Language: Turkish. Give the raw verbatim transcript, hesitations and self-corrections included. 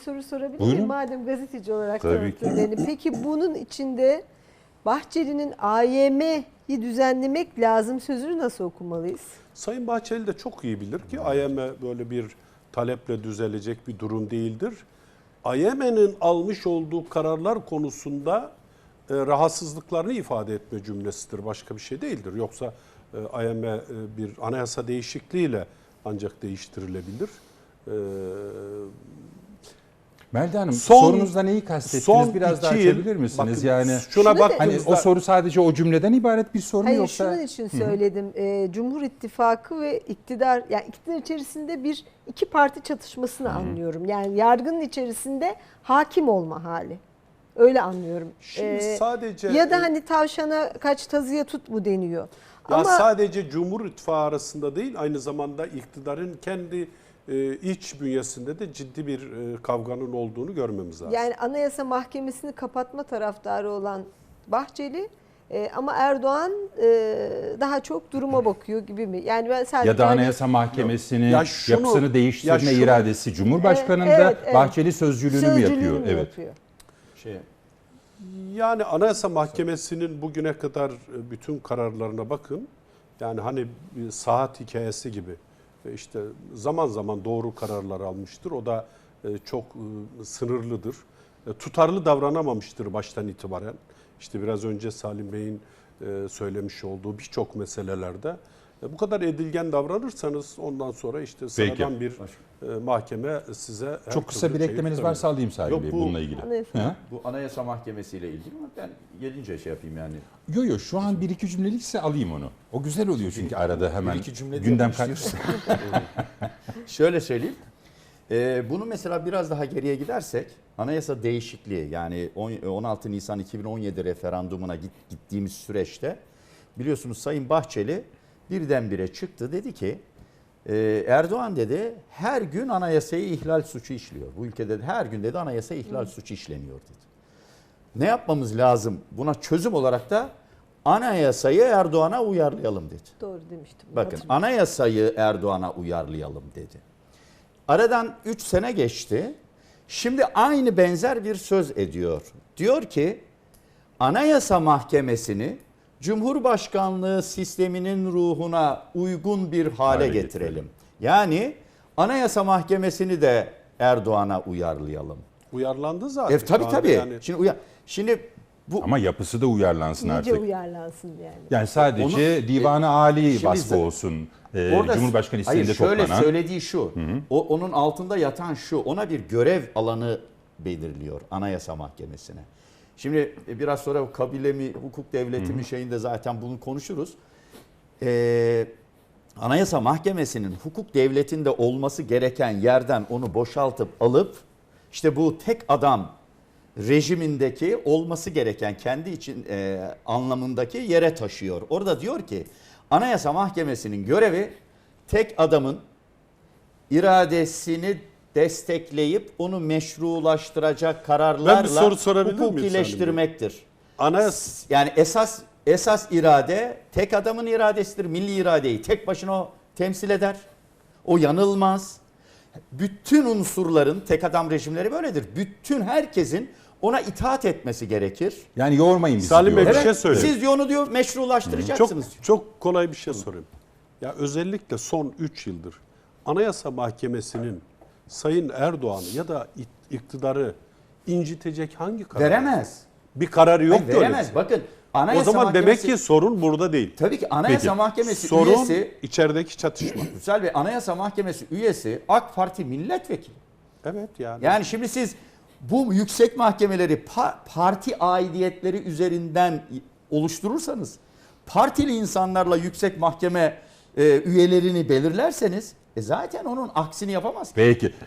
soru sorabilir Buyurun. miyim? Madem gazeteci olarak Tabii ki. tanıttın beni. Peki bunun içinde Bahçeli'nin A Y M'yi düzenlemek lazım sözünü nasıl okumalıyız? Sayın Bahçeli de çok iyi bilir ki A Y M böyle bir taleple düzelecek bir durum değildir. A Y M'nin almış olduğu kararlar konusunda e, rahatsızlıklarını ifade etme cümlesidir. Başka bir şey değildir. Yoksa e, A Y M e, bir anayasa değişikliğiyle ancak değiştirilebilir. E, Melda Hanım, Son- sorunuzda neyi kastettiniz? son Biraz daha iki yıl- açabilir misiniz? bakın, yani şuna Şunu da- hani baktığımızda o soru sadece o cümleden ibaret bir soru mu Hayır yoksa? şunun için söyledim. Ee, Cumhur İttifakı ve iktidar, yani iktidar içerisinde bir iki parti çatışmasını anlıyorum. Yani yargının içerisinde hakim olma hali. Öyle anlıyorum. Şimdi Ee, sadece ya da hani tavşana kaç tazıya tut mu deniyor. Ya Ama sadece Cumhur İttifakı arasında değil, aynı zamanda iktidarın kendi e, iç bünyesinde de ciddi bir e, kavganın olduğunu görmemiz lazım. yani Anayasa Mahkemesi'ni kapatma taraftarı olan Bahçeli e, ama Erdoğan e, daha çok duruma bakıyor gibi mi? Yani ben sadece Ya da hani- Anayasa Mahkemesi'nin Ya şunu- yapısını değiştirme ya şunu- iradesi Cumhurbaşkanı'nda, Evet, evet. Bahçeli sözcülüğünü mü sözcülüğünü yapıyor? mü Evet. yapıyor? Şey, Yani Anayasa Mahkemesi'nin bugüne kadar e, bütün kararlarına bakın. Yani hani bir saat hikayesi gibi e, işte zaman zaman doğru kararlar almıştır. O da e, çok e, sınırlıdır. E, Tutarlı davranamamıştır baştan itibaren. İşte biraz önce Salim Bey'in e, söylemiş olduğu birçok meselelerde. E, Bu kadar edilgen davranırsanız ondan sonra işte sıradan bir e, mahkeme size her Çok kısa türlü bir şeyi eklemeniz tutabilir. varsa alayım Salim Yok, Bey bu- bununla ilgili. Anayasa- Ha? Bu Anayasa Mahkemesi ile ilgili mi? Ben gelince şey yapayım yani. Yo yo şu an bir iki cümlelikse alayım onu. O güzel oluyor çünkü arada hemen Bir iki cümle gündem diyormuş kay- diyorsun. Şöyle söyleyeyim. Ee, bunu mesela biraz daha geriye gidersek anayasa değişikliği yani on altı Nisan iki bin on yedi referandumuna git, gittiğimiz süreçte biliyorsunuz Sayın Bahçeli birdenbire çıktı dedi ki e, Erdoğan dedi her gün anayasayı ihlal suçu işliyor. Bu ülkede her gün dedi anayasa ihlal suçu işleniyor dedi. Ne yapmamız lazım? Buna çözüm olarak da anayasayı Erdoğan'a uyarlayalım dedi. Doğru demiştim. Bakın Hatırlıyorum. anayasayı Erdoğan'a uyarlayalım dedi. Aradan üç sene geçti. Şimdi aynı benzer bir söz ediyor. Diyor ki Anayasa Mahkemesi'ni Cumhurbaşkanlığı sisteminin ruhuna uygun bir hale, Hale getirelim. getirelim. Yani Anayasa Mahkemesi'ni de Erdoğan'a uyarlayalım. Uyarlandı zaten. E, tabii Şu anda tabii. yani. Şimdi uya Şimdi bu Ama yapısı da uyarlansın İyice artık. uyarlansın yani. Yani sadece Onu- Divan-ı Ali Şimdi vasfı za- olsun. Ee, Orada- Cumhurbaşkanı isteğinde hayır, şöyle toplanan. söylediği şu. O onun altında yatan şu. Ona bir görev alanı belirliyor Anayasa Mahkemesi'ne. Şimdi e, biraz sonra bu kabile mi, hukuk devleti mi şeyinde zaten bunu konuşuruz. Ee, Anayasa Mahkemesi'nin hukuk devletinde olması gereken yerden onu boşaltıp alıp işte bu tek adam rejimindeki olması gereken kendi için e, anlamındaki yere taşıyor. Orada diyor ki Anayasa Mahkemesi'nin görevi tek adamın iradesini destekleyip onu meşrulaştıracak Ben bir kararlarla soru sorabilir miyim hukukileştirmektir. Anayasa Yani esas esas irade tek adamın iradesidir. Milli iradeyi tek başına o temsil eder. O yanılmaz. Bütün unsurların tek adam rejimleri böyledir. Bütün herkesin ona itaat etmesi gerekir. Yani yormayın bizi Salim Bey, diyor. bir şey söyleyeyim. Siz diyor onu diyor Çok meşrulaştıracaksınız. çok kolay bir şey sorayım. Ya özellikle son üç yıldır Anayasa Mahkemesi'nin Sayın Erdoğan ya da iktidarı incitecek hangi karar? Veremez. Bir kararı yok Hayır, ki öyle. veremez. Bakın O Anayasa zaman Mahkemesi, demek ki sorun burada değil. tabii ki Anayasa Peki. Mahkemesi Sorun üyesi içerideki çatışma. Güzel Bey, Anayasa Mahkemesi üyesi AK Parti milletvekili. Evet yani. Yani şimdi siz bu yüksek mahkemeleri pa- parti aidiyetleri üzerinden oluşturursanız, partili insanlarla yüksek mahkeme e, üyelerini belirlerseniz e zaten onun aksini yapamaz. Peki.